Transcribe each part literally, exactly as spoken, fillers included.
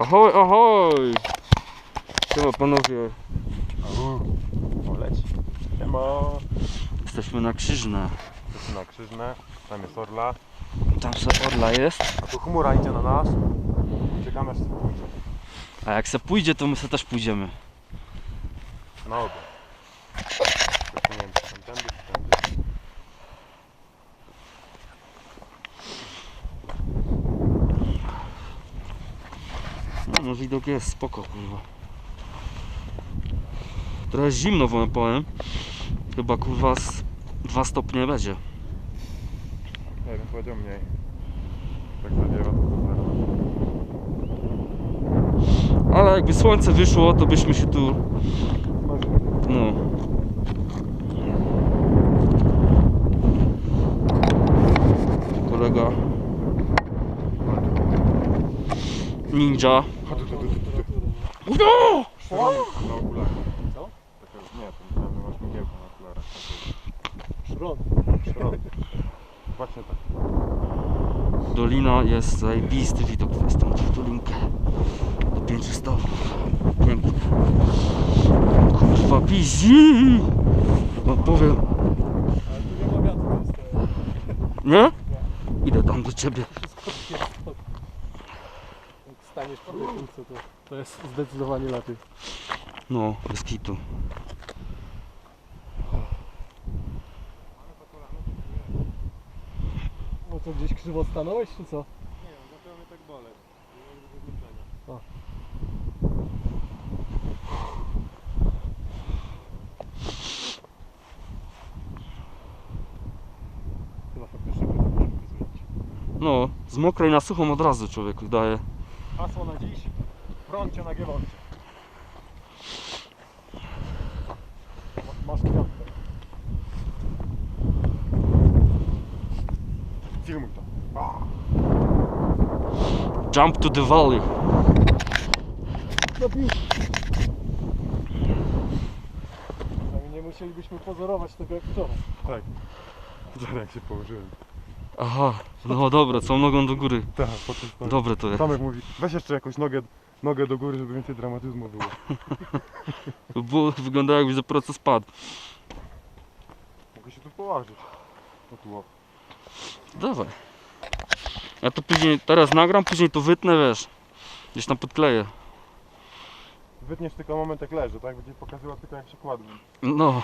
Ahoj, ahoj! Siema panowie. O, leci. Siema. Jesteśmy na Krzyżne. Jesteśmy na Krzyżne, tam jest Orla. Tam se Orla jest. A tu chmura idzie na nas. Czekamy aż się pójdzie. A jak se pójdzie, to my se też pójdziemy. Na obie. Nie wiem, czy tamtędy, czy tędy. No, no widok jest spoko, kurwa. Trochę zimno wam powiem. Chyba kurwa z dwa stopnie będzie. Nie wiem, powiedział mniej. Tak zawiewa to super. Ale jakby słońce wyszło, to byśmy się tu... No. Kolega Ninja. No! Na okularach. Co? Nie, to myślałem, że masz mgiełkę na okularach. Szron. Szron. Właśnie tak. Dolina jest zajebisty widok, to jest tą dolinkę do pięciu stawów. Pięknie. Kurwa busy! No powiem. Ale tu nie ma wiatru niestety. Nie? Idę tam do ciebie. Wszystko jest spokój. Jak staniesz po tej kulce, to, to jest zdecydowanie lepiej. No, bez kitu. No to gdzieś krzywo stanąłeś, czy co? Nie wiem, zaczęło mnie tak boleć. O. Chyba faktycznie musimy zmienić. No, z mokrej na suchą od razu człowieku daje. Hasło na dziś. Prącie na giewoncie. Masz kwiatkę. Filmuj to. A. Jump to the valley. Zabił! Przynajmniej nie musielibyśmy pozorować tego jak wczoraj. Tak. Wczoraj jak się położyłem. Aha, no dobra, całą nogą do góry. Tak, po tym stanie. Dobre to jest. Tomek mówi, weź jeszcze jakąś nogę, nogę do góry, żeby więcej dramatyzmu było. Było, wyglądało jakby za proces spadł. Mogę się tu położyć. O tu o. Dawaj. Ja to później, teraz nagram, później to wytnę, wiesz. Gdzieś tam podkleję. Wytniesz tylko moment jak leży, tak? Będzie pokazywał tylko jak się kładłem. No.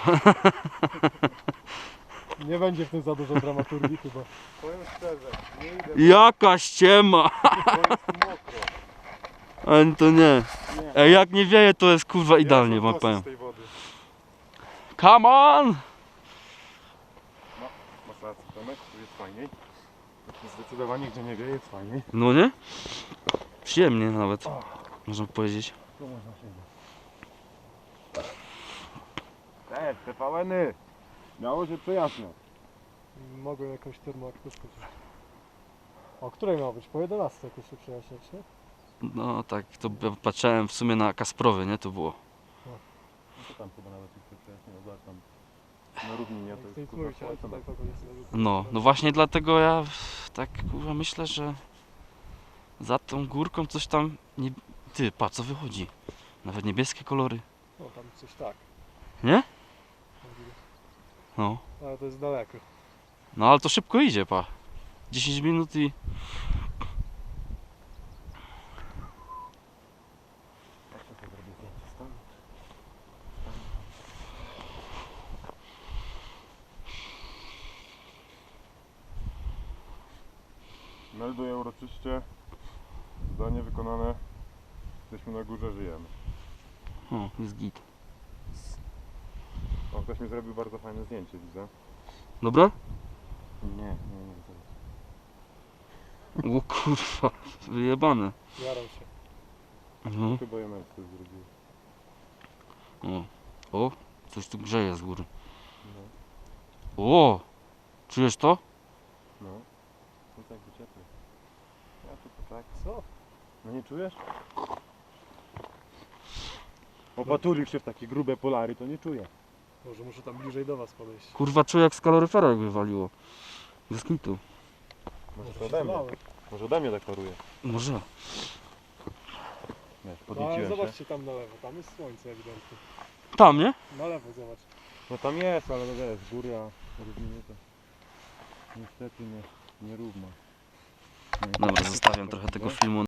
Nie będzie w tym za dużo dramaturgii chyba. Powiem szczerze, nie idę, Jaka ściema. bo jest mokro. Ale to nie. Nie. Ej, jak nie wieje, to jest kurwa idealnie, Ja wam mam powiem. z tej wody. Come on! No, masz rację, Tomek, tu jest fajniej. Zdecydowanie gdzie nie wieje jest fajniej. No nie? Przyjemnie nawet, można powiedzieć. Tu można siedzieć. Te, te pałeny! Miało się przejaśniać. Mogłem jakąś termoaktywkę wziąć. O której miało być? Po jedenastej jakoś się przejaśniać, nie? No tak, to ja patrzyłem w sumie na Kasprowy, nie? To było. No to tam chyba nawet się przejaśniło, zobacz tam. Na równinie Nie to chcę jest nic mówić, ale kurwa tutaj kogo jest No, no właśnie dlatego ja tak kurwa myślę, że za tą górką coś tam nie... Ty, patrz co wychodzi. Nawet niebieskie kolory. No tam coś tak. Nie? No. Ale to jest daleko. No ale to szybko idzie, pa. dziesięć minut i... Jak się to zrobi zdjęcie stąd? Melduję uroczyście. Zadanie wykonane. Jesteśmy na górze, żyjemy. O, jest git. O, ktoś mi zrobił bardzo fajne zdjęcie, widzę. Dobra? Nie, nie, nie. To O kurwa, wyjebane. Jaram się. No. chyba ja męsko zrobił. O. O, coś tu grzeje z góry. No, O! Czujesz to? no. To tak ciepło. Ja tylko tak. Co? No nie czujesz? Opatulił się w takie grube polary, to nie czuję. Może muszę tam bliżej do was podejść. Kurwa, czuję jak z kaloryfera jakby waliło. Bez kitu. Może Może to się ode mnie. zlałem. Może ode mnie tak paruje. Może. wiesz, No, ale podnieciłem się. zobaczcie tam na lewo, tam jest słońce ewidentnie. Tam, nie? Na lewo zobacz. No tam jest, ale no wiesz, góra, równiny to niestety nie, nierówna. Nie, Dobra, zostawiam trochę tego filmu